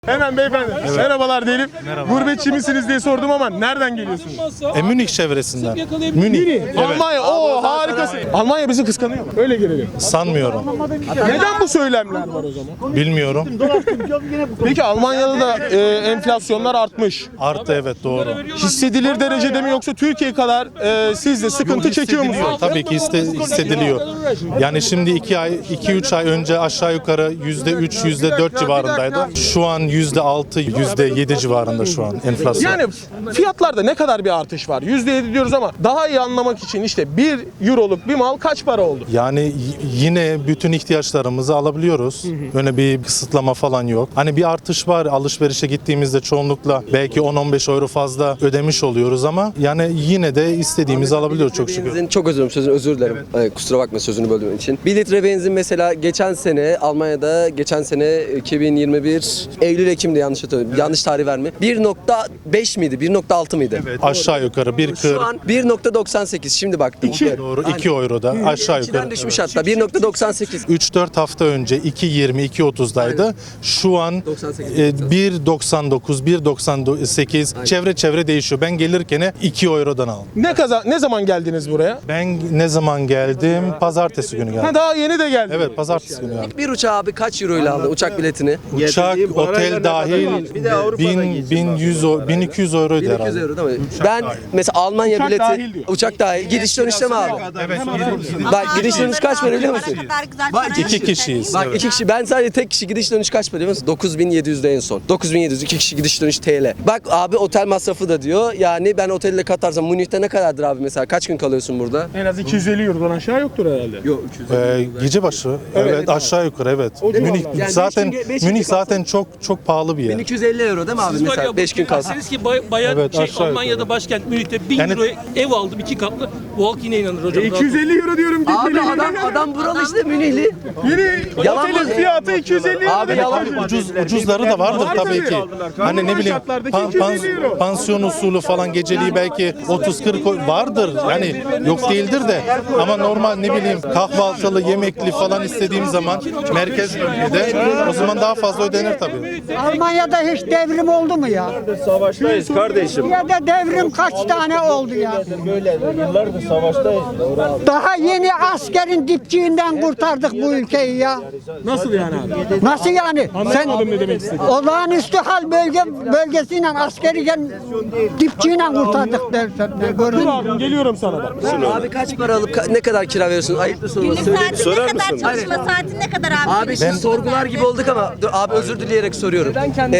Hemen beyefendi. Evet. Merhabalar diyelim. Merhaba. Gurbetçi misiniz diye sordum ama nereden geliyorsunuz? Münih çevresinden. Münih. Evet. Almanya. Oo harikasın. Almanya bizi kıskanıyor mu? Öyle gelelim. Sanmıyorum. Neden bu söylemler var o zaman? Bilmiyorum. Peki Almanya'da da enflasyonlar artmış. Arttı, evet, doğru. Hissedilir derecede mi yoksa Türkiye kadar siz de sıkıntı çekiyor musunuz? Tabii ki hissediliyor. Yani şimdi 2-3 ay önce aşağı yukarı %3, %4 civarındaydı. Şu an %6, %7 civarında şu an enflasyon. Yani fiyatlarda ne kadar bir artış var? %7 diyoruz ama daha iyi anlamak için işte 1 euroluk bir mal kaç para oldu? Yani yine bütün ihtiyaçlarımızı alabiliyoruz. Öyle bir kısıtlama falan yok. Hani bir artış var. Alışverişe gittiğimizde çoğunlukla belki 10-15 euro fazla ödemiş oluyoruz ama yani yine de istediğimizi alabiliyoruz çok şükür. Benzin, çok özür dilerim. Kusura bakma sözünü böldüğüm için. 1 litre benzin mesela geçen sene Almanya'da 2021 Eylül-Ekim'de yanlış hatırlıyorum. Yanlış tarih verme. 1.5 miydi? 1.6 mıydı? Evet, aşağı yukarı 1.40. Şu an 1.98. Şimdi baktım. Doğru, 2 euroda aşağı yukarı. 2'den düşmüş hatta. 1.98. 3-4 hafta önce 2.20, 2.30'daydı. Şu an 1.99, 1.98 çevre değişiyor. Ben gelirken 2 eurodan aldım. Ne zaman geldiniz buraya? Ben ne zaman geldim? Pazartesi günü geldim. Ha, daha yeni de geldi. Evet, pazartesi günü geldim. Bir uçağı abi kaç euro ile aldı uçak biletini? Uçak, otel dahil 1100, 1200 euroydu 1200 herhalde. euro değil mi? Ben mesela Almanya Uçak bileti dahil diyor. uçak dahil gidiş dönüşte mi abi? Bak gidiş dönüş kaç para biliyor musun? Bak, İki kişiyiz. Bak Evet. 2 kişi, ben sadece tek kişi gidiş dönüş kaç para biliyor musun? 9700'de en son. 9700 2 kişi gidiş dönüş TL. Bak abi otel masrafı da diyor. Yani ben otelle katarsam Münih'te ne kadardır abi mesela? Kaç gün kalıyorsun burada? En az 250 eurodan aşağı yoktur herhalde. Yok 300. Gece başı. Evet, aşağı yukarı evet. Münih Yani zaten beş gün Münih kalsın. zaten çok pahalı bir yer. 1250 euro değil mi abi mesela 5 gün kalsın? Derseniz ki bayağı Evet, aşağı Almanya'da yukarı. başkent Münih'te 1000 Yani- euroya ev aldım 2 katlı. Bu halk yine inanır hocam. 250 euro diyorum. Abi adam buralı işte Münihli. Yeni Yalan otelin mı? fiyatı 250 euro. Abi yalan. Ucuzları da vardır Var tabii tabii. ki. Hani ne Normal bileyim şartlardaki 250 euro. pansiyon usulü falan geceliği belki 30-40 vardır. Yani yok değildir de ama normal ne bileyim kahvaltılı, yemekli falan istediğim zaman merkez bölgede o zaman daha fazla ödenir tabii. Almanya'da hiç devrim oldu mu ya? Savaştayız kardeşim. Ya da devrim kaç tane oldu ya? Böyle yıllardır savaştayız. Daha yeni askerin dipçiğinden kurtardık bu ülkeyi ya. Nasıl yani abi? Nasıl yani? Anlamadım ne demek istediğini. Olağanüstü hal bölgesiyle askeriken dipçiğiyle kurtardık dersen. Gördün Dur mü? abim geliyorum sana bak. Abi kaç para alıp ne kadar kira veriyorsun? Ayıptır sorması. Söyle. Saatin ne kadar çalışma saatin ne kadar abi? Abi şimdi sorgular gibi olduk ama dur, abi özür dileyerek soruyorum.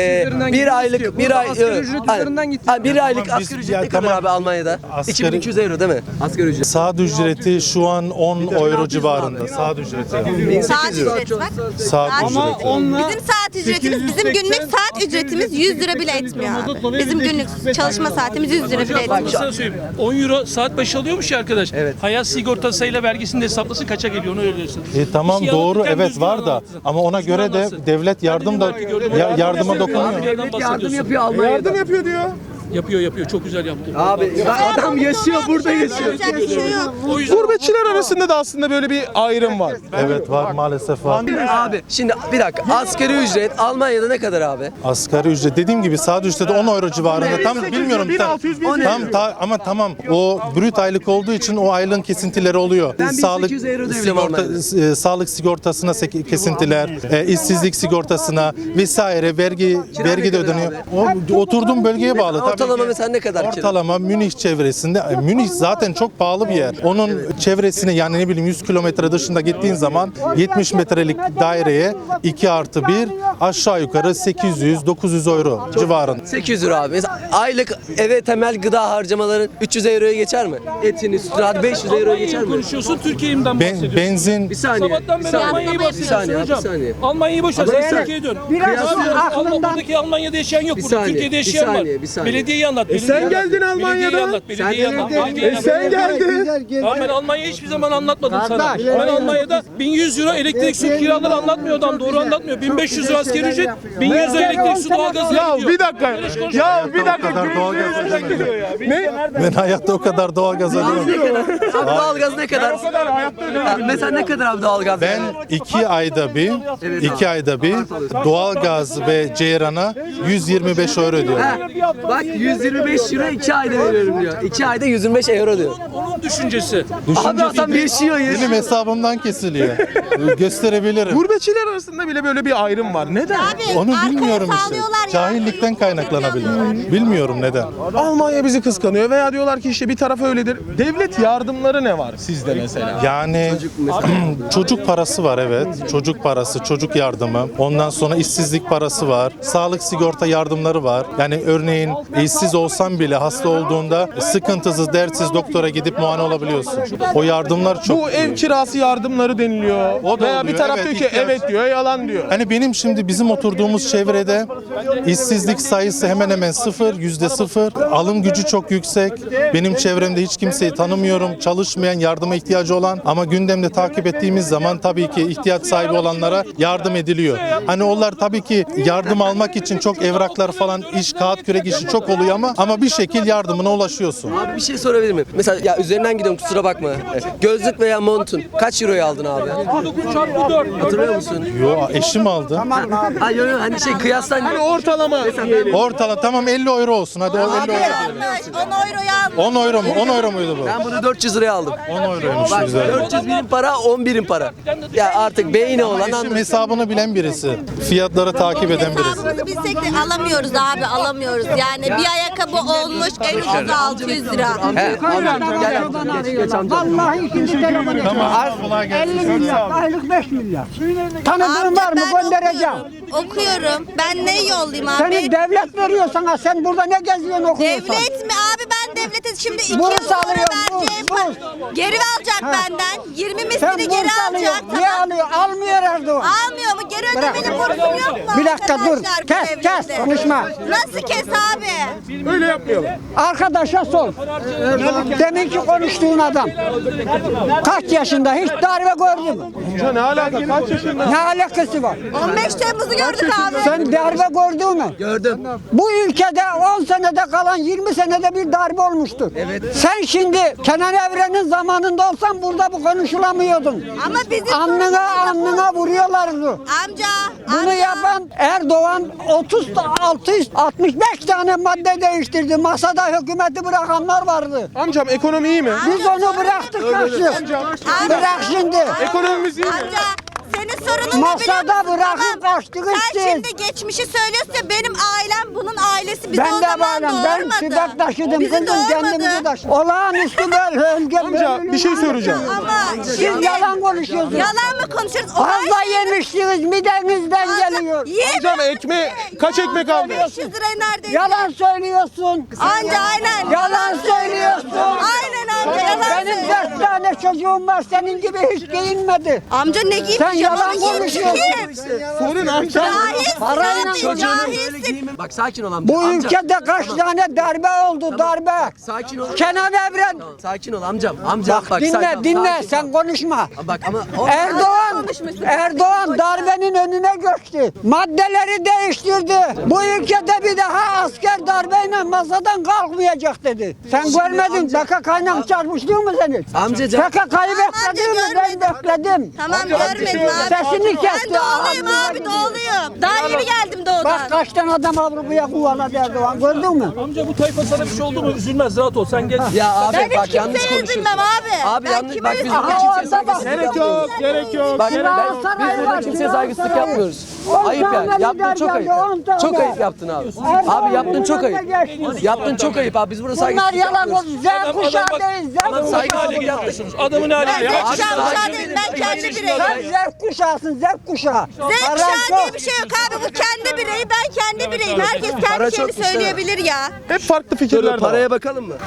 Bir aylık asgari ücret üzerinden gitti. Bir aylık Biz- asgari ücret ya ne kadar tamam. abi Almanya'da? Asgari- 2200 euro değil mi? Asgari ücret. Saat ücreti şu an 10 euro civarında. Saat ücreti. Saat ücreti bak. Saat ücreti. Bizim saat ücretimiz, bizim günlük saat ücretimiz 100 lira bile etmiyor abi. Bizim günlük çalışma saatimiz 100 lira bile Bak etmiyor. sana söyleyeyim. 10 euro saat başı alıyormuş ya arkadaş. Evet. Hayat sigortasıyla vergisini de hesaplasın kaça geliyor onu öyle diyorsun. Tamam Bir şey doğru anlatırken evet düzgün var da anlatsın. ama ona Düzgün göre de anlatsın. devlet yardım da yardıma dokunuyor. Yardım yapıyor Almanya'da. Yardım yapıyor diyor. Yapıyor çok güzel yaptı. Abi adam yaşıyor burada yaşıyor. Yapacak bir şey yok. O yüzden Gurbetçiler arasında da aslında böyle bir ayrım var. Evet var maalesef var. Abi şimdi bir dakika asgari ücret Almanya'da ne kadar abi? Asgari ücret dediğim gibi saat ücreti 10 euro civarında. Tam bilmiyorum. 1600, 1700. Ama tamam o brüt aylık olduğu için o aylığın kesintileri oluyor. Ben 1800 euro ödüyorum Almanya'da. Sağlık sigortasına kesintiler, işsizlik sigortasına vesaire vergi ne de kadar ödeniyor. O oturduğum bölgeye bağlı tabii. Ortalama ki. mesela ne kadar kira? Ortalama Münih çevresinde, Münih zaten çok pahalı bir yer. Onun çevresine yani ne bileyim 100 kilometre dışında gittiğin zaman 70 metrelik daireye 2+1 aşağı yukarı 800-900 euro civarında. 800 euro abi. Mesela aylık eve temel gıda harcamaların 300 euroya geçer mi? Etini, sütünü hadi 500 euroya geçer mi? konuşuyorsun Türkiye'den bahsediyorsun. Benzin Bir saniye. Sabahtan bir beri saniye. Almanya'yı Bir bahsediyorsun saniye, hocam. bir saniye. Almanya'yı boş ver Ama sen yani Türkiye'ye dön. biraz Abi, aklından- Buradaki Almanya'da yaşayan yok Bir burada. saniye, Türkiye'de bir yaşayan saniye, var. bir saniye. Belediye belediyeyi anlat. sen geldin Almanya'da. Belediyeyi anlat. Belediyeyi anlat. Belediyeyi anlat. Sen geldin. Ama ben Almanya'yı hiçbir zaman anlatmadım sana. Ben Almanya'da 1100 euro elektrik su kiraları anlatmıyor adam. Doğru anlatmıyor. 1500 euro asgari ücret, 1100 euro elektrik su doğalgazına Ya gidiyor. bir dakika. Ya bir dakika. O kadar doğalgaz ödemedim. Ne? Ben hayatta o kadar doğalgaz ödemedim. Abi doğalgaz ne kadar? Mesela ne kadar abi doğalgaz? Ben 2 ayda bir doğalgaz ve ceyran'a 125 euro ödüyorum. Bak 125 euro 2 ayda veriyorum diyor. 2 ayda 125 euro diyor. Onun düşüncesi. Abi adam yaşıyor. Benim hesabımdan kesiliyor. Gösterebilirim. Gurbetçiler arasında bile böyle bir ayrım var. Neden? Abi, Onu arkaya bilmiyorum işte. sallıyorlar ya. Cahillikten kaynaklanabilir. Bilmiyorum neden. Almanya bizi kıskanıyor veya diyorlar ki işte bir taraf öyledir. Devlet yardımları ne var sizde mesela? Yani çocuk parası var, evet. Çocuk parası, çocuk yardımı. Ondan sonra işsizlik parası var. Sağlık sigorta yardımları var. Yani örneğin işsiz olsan bile hasta olduğunda sıkıntısız, dertsiz doktora gidip muayene olabiliyorsun. O yardımlar çok Bu iyi. ev kirası yardımları deniliyor. O da Veya bir oluyor, taraf evet, diyor ki ihtiyaç. evet diyor, yalan diyor. Hani benim şimdi bizim oturduğumuz çevrede işsizlik sayısı hemen hemen %0. Alım gücü çok yüksek. Benim çevremde hiç kimseyi tanımıyorum. Çalışmayan, yardıma ihtiyacı olan ama gündemde takip ettiğimiz zaman tabii ki ihtiyaç sahibi olanlara yardım ediliyor. Hani onlar tabii ki yardım almak için çok evraklar falan, iş, kağıt kürek işi çok oluyor ama bir şekil yardımına ulaşıyorsun. Abi bir şey sorabilir miyim? Mesela ya üzerinden gidiyorum kusura bakma. Gözlük veya montun kaç euroya aldın abi? 9 çarpı 4. Hatırlıyor musun? Yo, eşim aldı. Ha yo hani kıyaslan. Hani ortalama diyelim. Ortalama tamam 50 euro olsun. Hadi o 50 euro. Yanlış. 10 euroya almış. 10 euro mu? 10 euro muydu bu? Ben bunu 400 liraya aldım. 10 euroymuş Bak güzel. 400 birim para 10 birim para. Ya artık beyni olan Eşim anlasın. hesabını bilen birisi. Fiyatları takip eden birisi. Hesabımızı bilsek de alamıyoruz abi, alamıyoruz. Yani bir ayakkabı olmuş en ucuzu 600 lira. He, amca gel. Geç amca. Vallahi ikinci telefonu. 50 milyar, aylık 5 milyar. Tanıdığın var mı? ben Göndereceğim. okuyorum. Ben ne yollayayım abi? Seni devlet veriyor sana. Sen burada ne geziyorsun okuyorsan? Devlet mi abi, ben devlete şimdi 2 yıl Burs sonra alıyorum, vereceğim. burs. Geri alacak benden. 20 Sen mislini geri burs alacak. alıyorsun. Niye alıyor? Almıyor Erdoğan. Almıyor mu? Geri ödemenin bursum yok mu? Bir dakika dur. arkadaşlar bu Kes, devlette? konuşma. Nasıl kes abi? Öyle yapmayalım. Arkadaşa sor. Deminki konuştuğun adam. Kaç yaşında? Hiç darbe gördü mü? Ya ne alaka? Kaç yaşında? Ne alakası var? 15 Temmuz'u gördük abi. Sen darbe gördün mü? Gördüm. Bu ülkede 10 senede kalan 20 senede bir darbe olmuştur. Evet. Sen şimdi Kenan Evren'in zamanında olsan burada bu konuşulamıyordun. Ama bizim Alnına vuruyorlardı. Amca. Bunu yapan Erdoğan 65 tane madde değiştirdi. Masada hükümeti bırakanlar vardı. Amcam ekonomi iyi mi? Biz onu bıraktık kaçtık. Bırak şimdi. Ekonomimiz iyi mi? Amca. Senin sorunun ne biliyor Masada musun? bırakıp kaçtık Sen siz. şimdi geçmişi söylüyorsun ya, benim ailem bunun ailesi bizi Ben o de zaman varım. Ben doğurmadı. tübek taşıdım. Bizi Kızım kendimizi doğurmadı. taşıdım. Olağanüstü bölge. Amca bir şey söyleyeceğim. Ama Siz şimdi yalan konuşuyorsunuz. yalan mı konuşuyoruz? O Fazla her şeyi- yemişsiniz midenizden geliyor. Amcam kaç ekmek aldın? 500 lirayı neredeyse. Yalan söylüyorsun. Anca aynen. Yalan söylüyorsun. Aynen amca yalan Benim söylüyor. 4 tane çocuğum var, senin gibi hiç giyinmedi. Amca ne giymiş? Sen yalan konuşuyorsun. Sorun amcam. Cahilsin Parayla abi, cahilsin. Bak sakin ol amca. Bu Amca, ülkede kaç tane darbe oldu, darbe. sakin ol. Kenan Evren. Sakin ol amcam. Amca bak Dinle, sakin. dinle, Sakin. sen konuşma. Bak ama Erdoğan darbenin önüne geçti. Maddeleri değiştirdi. Bu ülkede bir daha asker darbeyle masadan kalkmayacak dedi. Sen görmedin PKK'yla çarpıştın mı senin? Amcacığım. PKK'yı bekledin mi? Ben bekledim. Tamam görmedim abi. Sesini kesti. Ben doğuluyum abi, doğuluyum. Daha yeni geldim doğudan. Bak kaç tane adam Avrupa'ya kovaladı Erdoğan, gördün mü? Amca bu tayfa sana bir şey oldu mu üzülmez, rahat ol, sen gel. Ya abi Ben bak hiç yanlış kimseye konuşuyorsun. üzülmem abi. Abi Ben yanlış kime bak biz üzülmem? burada Aha, kimseye orada bak. saygısızlık Gerek yapmıyoruz. yok, gerek yok. Bak Galatasaray biz burada var, kimseye saygısızlık Galatasaray. yapmıyoruz. 10 Ayıp yani. tane Yaptın lider çok ayıp. geldi, 10 tane. Çok ayıp yaptın abi. Erdoğan Abi yaptın çok önüne ayıp. geçti. Yaptın çok ayıp abi. Biz burada Bunlar saygısızlık yalan yapmıyoruz. oldu. Z kuşağı değil, Z Saygı kuşağı. hale Yapıyorsunuz. Adamın hali. Ben Ya. Z kuşağı değil, ben kendi bireyim. Sen Z kuşağısın, Z kuşağı. Z Paran kuşağı çok. diye bir şey yok abi, bu kendi bireyi, ben kendi bireyim. Herkes Para kendi şeyini çokmuş, söyleyebilir ya. Hep farklı fikirler Dur var. paraya bakalım mı?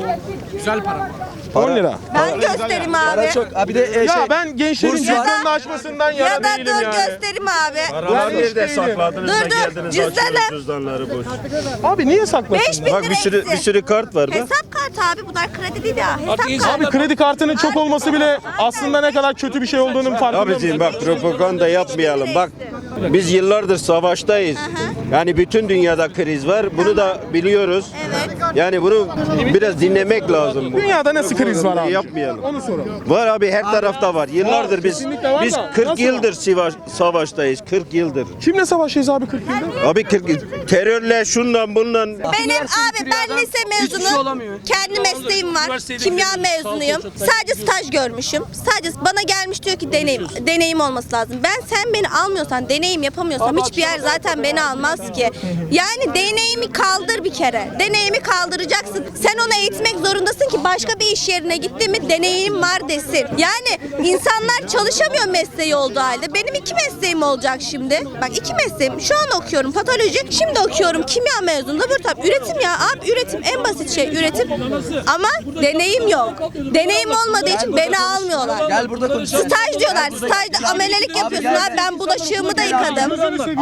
10 lira. Ben göstereyim abi. Para çok. Abi de Ya ben gençlerin Burs var. cüzdanını açmasından Ya yana da değilim dur yani. göstereyim abi. Paralar nerede sakladınız da Dur, geldiniz cüzdanım. açıyorsunuz cüzdanları boş. Abi niye saklasın? 5 bin lira Bak bir sürü kart var bak. Hesap kartı abi, bunlar kredi değil ya. Hesap Artık kartı. Abi kredi kartının çok olması bile aslında ne kadar kötü bir şey olduğunun farkında mısın? Abiciğim bak propaganda yapmayalım. Bak biz yıllardır savaştayız. Yani bütün dünyada kriz var. Bunu da biliyoruz. Evet. Yani bunu biraz dinlemek lazım. Dünyada nasıl kriz var abi? Yapmayalım. Onu soralım. Var abi her tarafta var. Yıllardır biz kesinlikle var biz da 40 nasıl yıldır savaştayız. 40 yıldır. Kimle savaşıyoruz abi 40 yıldır? Abi 40 terörle şundan bundan. Benim abi ben lise mezunu. Kendi mesleğim var. Kimya mezunuyum. Sadece staj görmüşüm. Sadece bana gelmiş diyor ki deneyim olması lazım. Sen beni almıyorsan, deneyim yapamıyorsam hiçbir yer zaten beni almaz ki. Yani deneyimi kaldır bir kere. Deneyimi kaldıracaksın. Sen onu eğitmek zorundasın ki başka bir iş yerine gitti mi deneyim var desin. Yani insanlar çalışamıyor mesleği olduğu halde. Benim 2 mesleğim olacak şimdi. Bak 2 mesleğim. Şu an okuyorum patoloji. Şimdi okuyorum kimya mezunu. Burada üretim ya. Abi üretim en basit şey üretim. Ama deneyim yok. Deneyim olmadığı için beni almıyorlar. Gel burada konuşalım. Staj diyorlar. Stajda amelelik yapıyorsun abi. Ben bulaşığımı da yıkadım.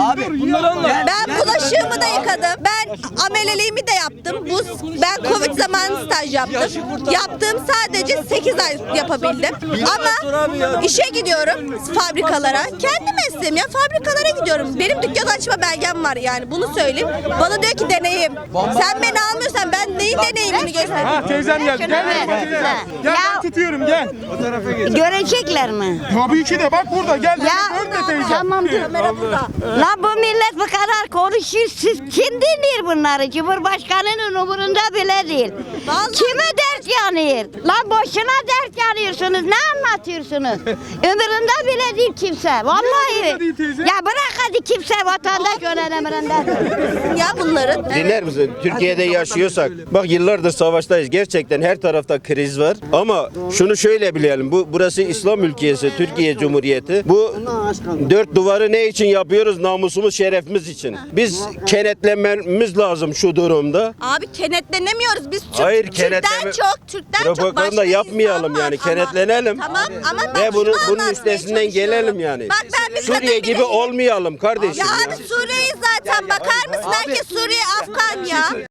Ben bulaşığımı da yıkadım. Ben ameleliğimi de yaptım. Ben Covid zamanı staj yaptım. Yaptığım sadece 8 ay yapabildim. Ama işe gidiyorum fabrikalara. Kendi mesleğim ya, fabrikalara gidiyorum. Benim dükkan açma belgem var yani, bunu söyleyeyim. Bana diyor ki deneyim. Sen beni almıyorsan ben neyin deneyimini göstereyim? Ha teyzem geldi. Gel yanıma teyzem. Gel ben tutuyorum gel. Görecekler mi? Tabii ki de bak burada gel. Ya Görme teyzem. tamam dur. La bu millet bu kadar konuşuyor. Siz kim dinliyor bunları? Cumhurbaşkanının umurunda bile değil. Vallahi. Kime dert yanıyor? Lan boşuna dert yanıyorsunuz. Ne anlatıyorsunuz? Umurunda bile değil kimse. Vallahi. umurunda değil teyze? Ya bırak hadi kimse vatandaş önemrinde. Ya bunların. Dinler misin? Türkiye'de yaşıyorsak. Bak yıllardır savaştayız. Gerçekten her tarafta kriz var. Ama şunu şöyle bilelim. Burası İslam ülkesi, Türkiye Cumhuriyeti. Bu 4 duvarı ne için yapıyoruz? Namusumuz, şerefimiz için. Biz kenetlenmemiz lazım şu durumda. Abi kenetlenemiyoruz. Biz Hayır, Türk'ten Türk'ten çok propaganda başka yapmayalım insan var. yani, kenetlenelim. Tamam ama ben Ve şunu bunun anlatmaya üstesinden gelelim çalışıyorum. yani. Bak ben bir Suriye kadın gibi bireyim. olmayalım kardeşim Ya ya. abi Suriye'yi zaten bakar mısın? Herkes Suriye, Afgan ya.